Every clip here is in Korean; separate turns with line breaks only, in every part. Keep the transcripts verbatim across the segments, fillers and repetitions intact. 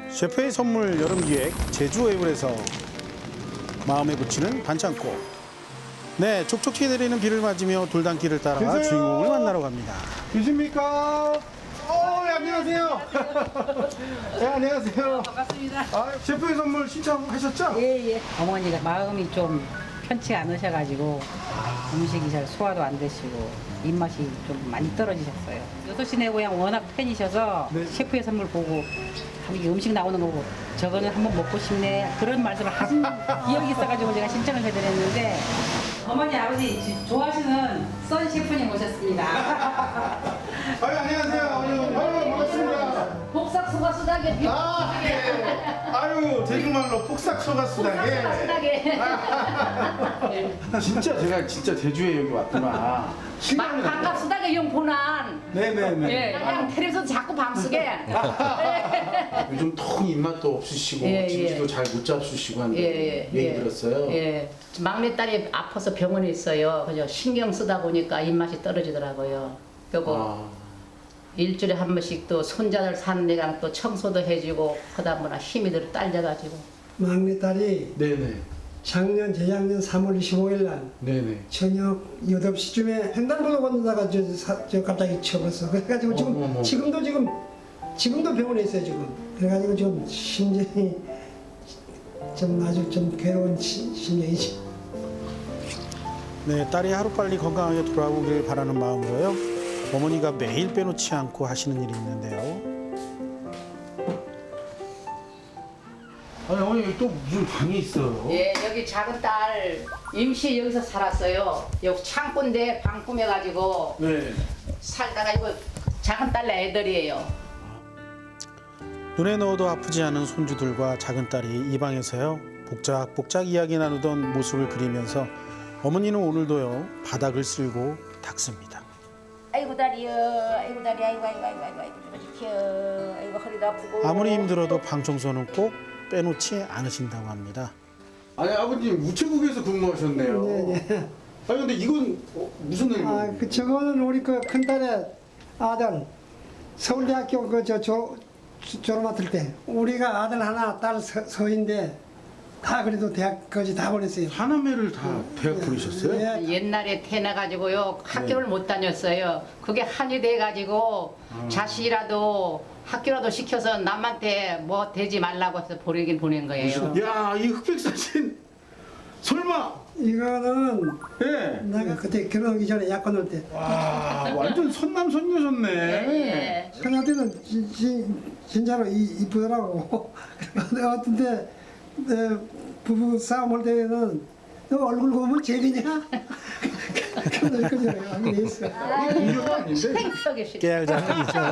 셰프의 선물 여름기획 제주웨이블에서 마음에 붙이는 반창고. 네, 촉촉히 내리는 비를 맞으며 돌담길을 따라
계세요?
주인공을 만나러 갑니다.
계십니까? 어, 예, 안녕하세요. 네, 안녕하세요.
반갑습니다.
아, 셰프의 선물 신청하셨죠?
예, 예. 어머니가 마음이 좀 편치 않으셔가지고 음식이 잘 소화도 안 되시고 입맛이 좀 많이 떨어지셨어요. 여섯 시 내 고향 워낙 팬이셔서
네.
셰프의 선물 보고 아, 이게 음식 나오는 거고 저거는 한번 먹고 싶네 그런 말씀을 하신 기억이 있어가지고 제가 신청을 해드렸는데 어머니 아버지 지- 좋아하시는 선 셰프님 오셨습니다.
아유, 안녕하세요. 아유, 아유, 반갑습니다.
복삭 소가 수다게 비
아, 네. 아유, 제주말로 폭삭 소가수다게. 진짜 제가 진짜 제주에 여기 왔구나. 실감이 나요.
반갑습니다. 영 보난.
네네네.
예, 그냥 텔레비전 자꾸 밤속에.
요즘 통 입맛도 없으시고
예,
진지도
예.
잘 못 잡수시고 한데
예, 예,
얘기
예.
들었어요.
예. 막내딸이 아파서 병원에 있어요. 그죠? 신경 쓰다 보니까 입맛이 떨어지더라고요. 그리고
아,
일주일에 한 번씩 또 손자들 사는 데랑 또 청소도 해주고 그러다 보나 힘이 들 딸려가지고.
막내딸이
네네.
작년 재작년 삼월 이십오일 날
네네.
저녁 여덟 시쯤에 횡단보도 건너다가 저, 사- 저 갑자기 쳐버렸어. 그래가지고 지금
어머, 어머.
지금도 지금 지금도 병원에 있어요 지금. 그래가지고 좀 심정이 좀 아주 좀 괴로운 시- 심정이지.
네, 딸이 하루빨리 건강하게 돌아오길 바라는 마음으로요. 어머니가 매일 빼놓지 않고 하시는 일이 있는데요.
아니 어머니 여기 또 무슨 방이 있어요?
예, 여기 작은 딸 임시 여기서 살았어요. 여기 창고인데 방 꾸며가지고
네.
살다가 이거 작은 딸 애들이에요.
눈에 넣어도 아프지 않은 손주들과 작은 딸이 이 방에서요. 복작복작 이야기 나누던 모습을 그리면서 어머니는 오늘도요. 바닥을 쓸고 닦습니다.
아이고 다리요, 아이고 다리, 아이고 아이고 아이고 아이고 아이고 죽어, 아이고 허리도 아프고.
아무리 힘들어도 방 청소는 꼭 빼놓지 않으신다고 합니다.
아니 아버님 우체국에서 근무하셨네요.
네네.
아니 근데 이건 어, 무슨 일이에요?
아, 그 저거는 우리 그 큰딸의 아들 서울대학교 그저 졸업 맡을 때 우리가 아들 하나 딸 서, 서인데 다 그래도 대학까지 다 보냈어요.
하나매를 다 대학 보내셨어요?
예.
옛날에 태어나가지고요 학교를 못 다녔어요. 그게 한이 돼가지고 자식이라도 학교라도 시켜서 남한테 뭐 되지 말라고 해서 보내긴 보낸 거예요.
야, 이 흑백 사진 설마?
이거는
예.
내가 그때 결혼하기 전에 약혼 올 때.
와, 완전 선남선녀셨네.
예.
큰아들은 진, 진, 진짜로 이, 이쁘더라고. 어떤데 내 부부 싸움 할 때는 너 얼굴 보면 제비냐? 그런 거죠. 하긴 했어.
이거 아닌데?
팽팽하게 싫어.
깨알 장난이죠.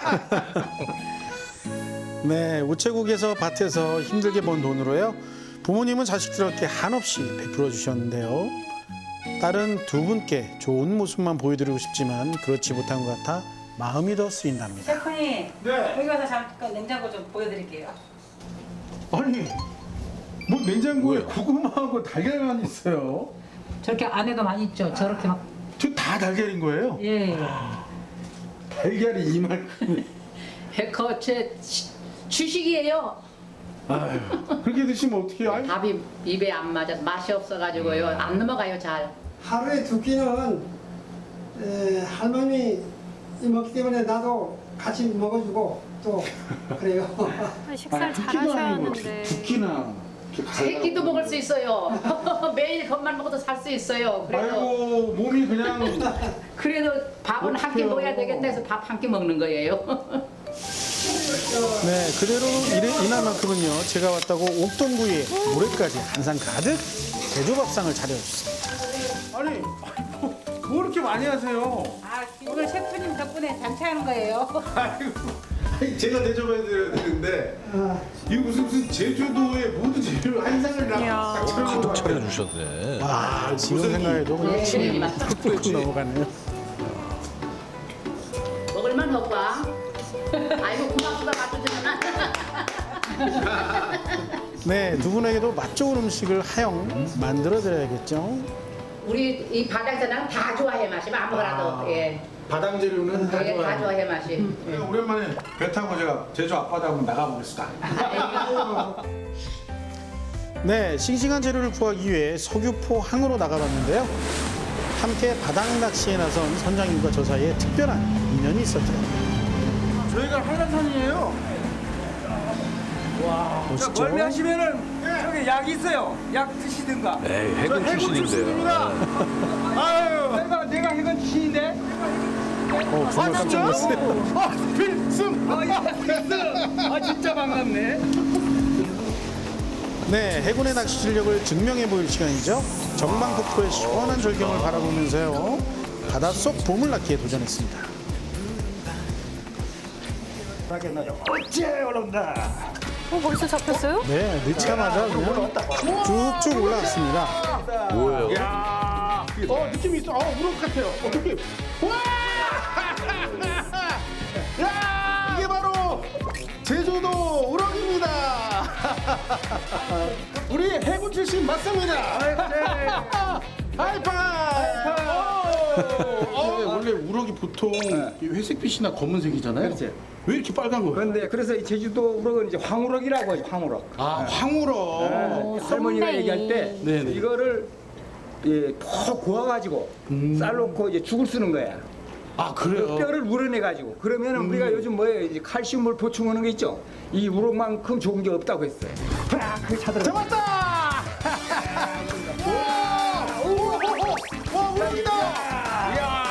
네, 우체국에서 밭에서 힘들게 번 돈으로요. 부모님은 자식들에게 한없이 베풀어 주셨는데요. 딸은 두 분께 좋은 모습만 보여드리고 싶지만 그렇지 못한 것 같아 마음이 더 쓰인답니다.
셰프님
네.
여기 와서 잠깐 냉장고 좀 보여드릴게요.
아니, 뭐 냉장고에 고구마하고 달걀만 있어요.
저렇게 안에도 많이 있죠. 저렇게 막
저 다 달걀인 거예요?
예.
달걀이 이만큼.
그제 주식이에요.
아유, 그렇게 드시면 어떡해요? 아유.
밥이 입에 안 맞아서 맛이 없어가지고요 안 넘어가요 잘.
하루에 두 끼는 에, 할머니 먹기 때문에 나도 같이 먹어주고 또 그래요.
식사를
두
잘
끼도
하셔야
아니고
하는데.
두, 두 끼나. 이렇게
세
갈라고.
끼도 먹을 수 있어요. 매일 것만 먹어도 살 수 있어요. 그래도
아이고, 몸이 그냥.
그래도 밥은 한 끼
어떡해요.
먹어야 되겠다 해서 밥 한 끼 먹는 거예요.
네, 그대로 이래- 이날만큼은요. 제가 왔다고 옥동구이에 물회까지 한 상 가득 제주밥상을 차려줬습니다.
아니, 뭐, 뭐 이렇게 많이 하세요?
아 오늘 셰프님 덕분에 잔치하는 거예요.
아이고, 아니, 제가 대접해드려야 되는데
아,
이거 무슨 무슨 제주도의 모든 재료 한 상을
이야.
딱 차려놓은 거 같아요.
차려주셨네.
아, 지금
무슨
생각해도 그냥
네,
침이
맞다.
뚝뚝 넘어가네요.
먹을만 오빠. 아이고 고맙다 맞춰주잖아.
네, 두 분에게도 맛 좋은 음식을 하영 만들어 드려야겠죠.
우리 이 바닥 사람 다 좋아해 마시면 아무거나도. 예.
바닥 재료는 다
네, 다
좋아요.
좋아해 맛이.
네, 오랜만에 배 타고 제가 제주 앞바다 한번 나가보겠습니다.
네, 싱싱한 재료를 구하기 위해 서귀포 항으로 나가봤는데요. 함께 바닥 낚시에 나선 선장님과 저 사이에 특별한 인연이 있었죠.
저희가 한라산이에요.
보시죠.
멀미 하시면은 저기 약 있어요. 약 드시든가.
에이, 해군 출신인데요.
아유,
내가 내가 해군 출신인데.
어, 정말 깜짝 놀랐어요.
아, 필승.
아, 예. 아 진짜 반갑네.
네, 해군의 낚시 실력을 증명해 보일 시간이죠. 정방폭포의 시원한 절경을 바라보면서요. 바닷속 보물낚기에 도전했습니다.
어째 올라온다.
어, 벌써 잡혔어요?
네, 넣자마자 그냥 쭉쭉 올라왔습니다.
뭐예요?
야, 어 느낌이 있어. 어 우럭 같아요. 어 느낌. 와! 야, 이게 바로 제주도 우럭입니다. 우리 해군 출신 맞습니다. 하이파이브. 어, 원래 우럭이 보통 이 회색빛이나 검은색이잖아요.
그렇지.
왜 이렇게 빨간 거예요?
그런데 그래서 이 제주도 우럭은 이제 황우럭이라고 하죠. 황우럭.
아, 황우럭.
네, 할머니가
쏨뱅이.
얘기할 때
네네.
이거를 예, 푹 구워가지고 쌀 넣고 이제 죽을 쓰는 거야.
아,
그
그래요?
뼈를 우러내가지고 그러면은 우리가 요즘 뭐예요? 이제 칼슘을 보충하는 게 있죠. 이 우럭만큼 좋은 게 없다고 했어요. 팍! 그 차들어.
잡았다! 와! 오, 오, 오! 와, 우럭이다! 이야!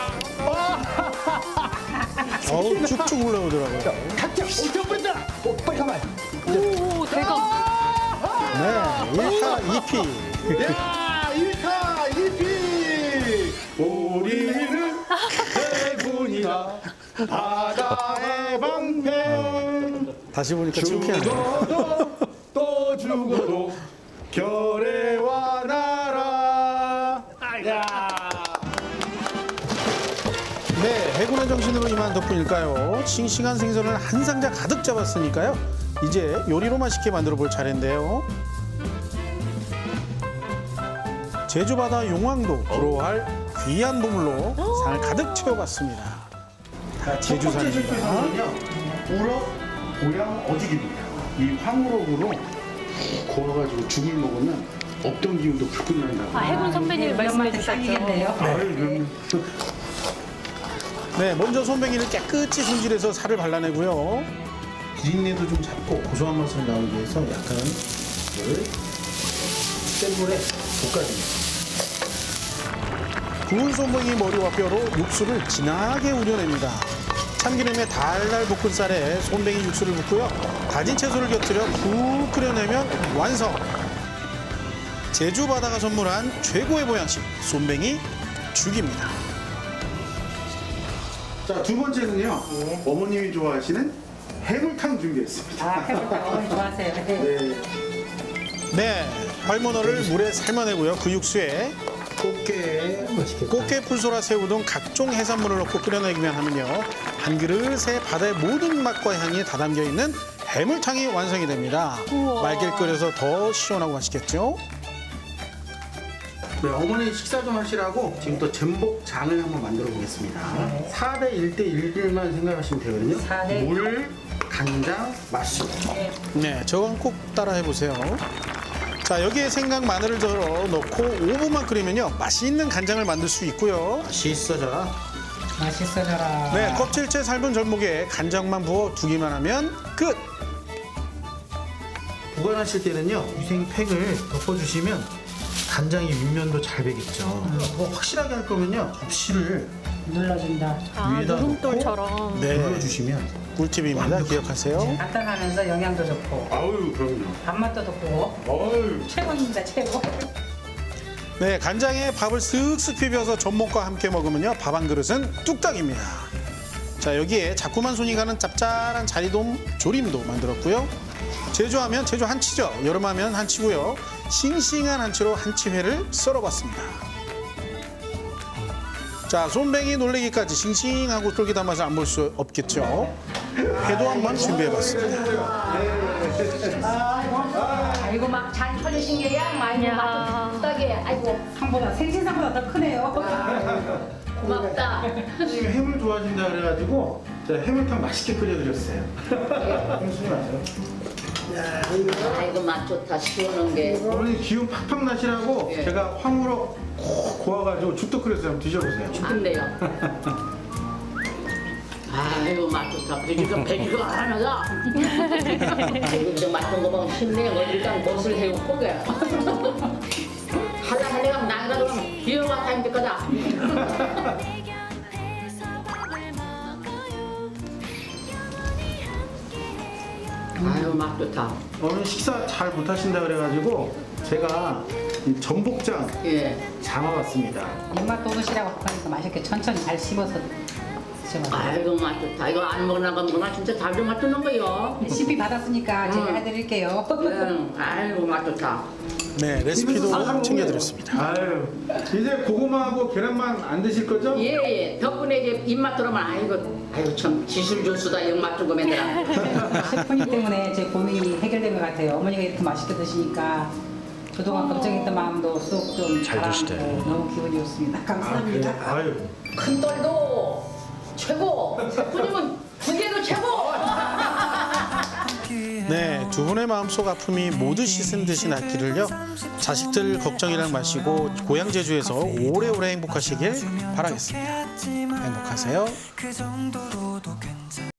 어우, 쭉쭉 올라오더라고요.
각자 오천 분다. 오, 빨리 가만.
오, 대박.
네, 일 타 이 피.
야, 일 타 이 피! 우리는 해군이다. 바다의 방패.
다시 보니까 창피하네요.
죽어도 또 죽어도 결의와 나라. 야.
네, 해군의 정신으로 임한 덕분일까요? 싱싱한 생선을 한 상자 가득 잡았으니까요. 이제 요리로 맛있게 만들어 볼 차례인데요. 제주 바다 용왕도 부러워할 귀한 보물로 상을 가득 채워봤습니다. 제주산입니다.
우럭 고양 어죽입니다. 이 황우럭으로 구워가지고 죽을 먹으면 없던 기운도 불끈 난다고.
아, 해군 선배님이 말씀해
엄마한테
주셨죠.
딱이겠네요.
아유, 그럼.
네, 먼저 손뱅이를 깨끗이 손질해서 살을 발라내고요.
비린내도 좀 잡고 고소한 맛을 나오기 위해서 약간 이걸 센 불에 볶아줍니다.
구운 손뱅이 머리와 뼈로 육수를 진하게 우려냅니다. 참기름에 달달 볶은 쌀에 손뱅이 육수를 붓고요. 다진 채소를 곁들여 푹 끓여내면 완성! 제주 바다가 선물한 최고의 보양식, 손뱅이 죽입니다.
자, 두 번째는요. 어머님이 좋아하시는 해물탕 준비했습니다.
아, 해볼까? 어머니 좋아하세요. 네.
네, 활문어를 물에 삶아내고요. 그 육수에
꽃게 맛있겠다.
꽃게, 풀소라, 새우 등 각종 해산물을 넣고 끓여내기만 하면요. 한 그릇에 바다의 모든 맛과 향이 다 담겨 있는 해물탕이 완성이 됩니다.
우와.
맑게 끓여서 더 시원하고 맛있겠죠?
네, 어머니 식사 좀 하시라고 지금 또 전복장을 한번 만들어 보겠습니다. 사 대 일 대 일만 생각하시면 되거든요.
사 대
물, 간장, 맛술.
네, 저건 꼭 따라해 보세요. 자, 여기에 생강, 마늘을 덜어 넣고 오 분만 끓이면요. 맛있는 간장을 만들 수 있고요.
맛있어져라.
맛있어져라.
네, 껍질째 삶은 절목에 간장만 부어 두기만 하면 끝!
보관하실 때는요, 위생팩을 덮어주시면 간장이 윗면도 잘 배겠죠. 뭐 확실하게 할 거면요, 접시를
눌러준다.
아,
위에다
누름돌처럼.
네,
눌러주시면.
꿀팁입니다. 기억하세요.
간단하면서 영양도 좋고
아유, 그럼요.
밥맛도 좋고
아유.
최고입니다. 최고.
네, 간장에 밥을 쓱쓱 비벼서 전복과 함께 먹으면요. 밥 한 그릇은 뚝딱입니다. 자, 여기에 자꾸만 손이 가는 짭짤한 자리돔 조림도 만들었고요. 제주하면 제주 한치죠. 여름하면 한치고요. 싱싱한 한치로 한치회를 썰어봤습니다. 자, 손뱅이 놀래기까지 싱싱하고 쫄깃한 맛을 안 볼 수 없겠죠. 회도 한번 준비해봤습니다.
아이고 막 잘 털리신 게야. 아이고
야.
맛도 뚝딱해. 아이고
상보다 생신상보다 더 크네요.
고맙다.
지금 해물 좋아하신다 그래가지고 제가 해물탕 맛있게 끓여드렸어요. 형수님 아세요?
아이고 맛 좋다. 시원한 게.
어머니 기운 팍팍 나시라고
예.
제가 황으로 콕 고아가지고 죽도 끓였어요. 한번 드셔보세요.
안 돼요. 아이고 맛 좋다. 그러니까 배지가 하나가. 아이고 저 맛본 거 보면 힘내. 어딜까 멋을 해오고 게. 할라 할래가 나이라도 기어가 다니는 거다. 아유 맛 좋다.
어머니 식사 잘 못하신다 그래가지고 제가 이 전복장
예.
담아봤습니다.
입맛 돋으시라고 하니까 맛있게 천천히 잘 씹어서 드셔봐요.
아이고 맛 좋다. 이거 안 먹으나 건구나 진짜 잘 좀 맞추는 거요.
레시피 받았으니까 제가
응.
해드릴게요.
응. 아이고 맛 좋다.
네, 레시피도 챙겨드렸습니다. 아유, 이제 고구마하고 계란만 안 드실 거죠?
예예. 덕분에 이제 입맛 들어면 아이고 아이고 참 지술조수다 영맛 주고 맨들아.
셰프님 때문에 제 고민이 해결된 것 같아요. 어머니가 이렇게 맛있게 드시니까 그동안 걱정했던 마음도 쏙 좀
잘 드시대.
가라앉고 너무 기분이 좋습니다. 감사합니다.
아유,
큰 딸도 최고. 셰프님은 군대도 최고.
네, 두 분의 마음속 아픔이 모두 씻은 듯이 낫기를요. 자식들 걱정이랑 마시고 고향 제주에서 오래오래 행복하시길 바라겠습니다. 행복하세요.